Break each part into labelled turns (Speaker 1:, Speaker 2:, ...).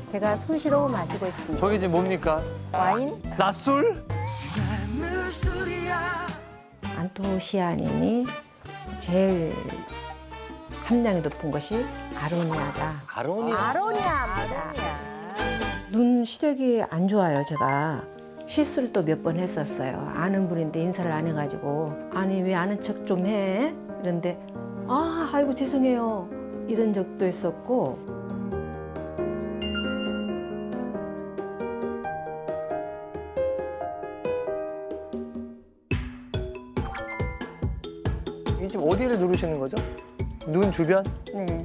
Speaker 1: 제가 수시로 마시고 있습니다.
Speaker 2: 저게 지금 뭡니까?
Speaker 1: 와인?
Speaker 2: 낮술?
Speaker 3: 안토시아닌이 제일 함량이 높은 것이 아로니아다.
Speaker 1: 아로니아입니다.
Speaker 3: 눈 시력이 안 좋아요, 제가. 실수를 또 몇 번 했었어요. 아는 분인데 인사를 안 해가지고 아니 왜 아는 척 좀 해? 이런데 아이고 죄송해요. 이런 적도 있었고.
Speaker 2: 이게 지금 어디를 누르시는 거죠? 눈 주변?
Speaker 1: 네.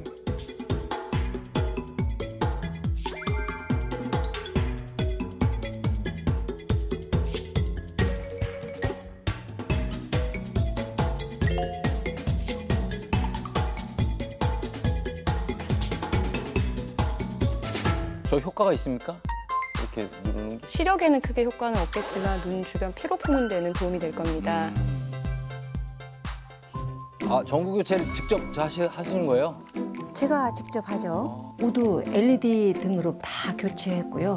Speaker 4: 저 효과가 있습니까? 이렇게 누르는 게?
Speaker 5: 시력에는 크게 효과는 없겠지만 눈 주변 피로 푸는 데는 도움이 될 겁니다.
Speaker 4: 아, 전구 교체를 직접 하시는 거예요?
Speaker 1: 제가 직접 하죠.
Speaker 3: 모두 LED 등으로 다 교체했고요.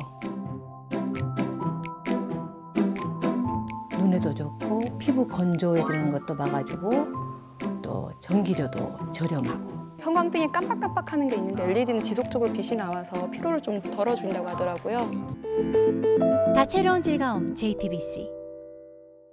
Speaker 3: 눈에도 좋고 피부 건조해지는 것도 막아주고 또 전기료도 저렴하고.
Speaker 5: 형광등이 깜빡깜빡하는 게 있는데 LED는 지속적으로 빛이 나와서 피로를 좀 덜어준다고 하더라고요.
Speaker 6: 다채로운 즐거움 JTBC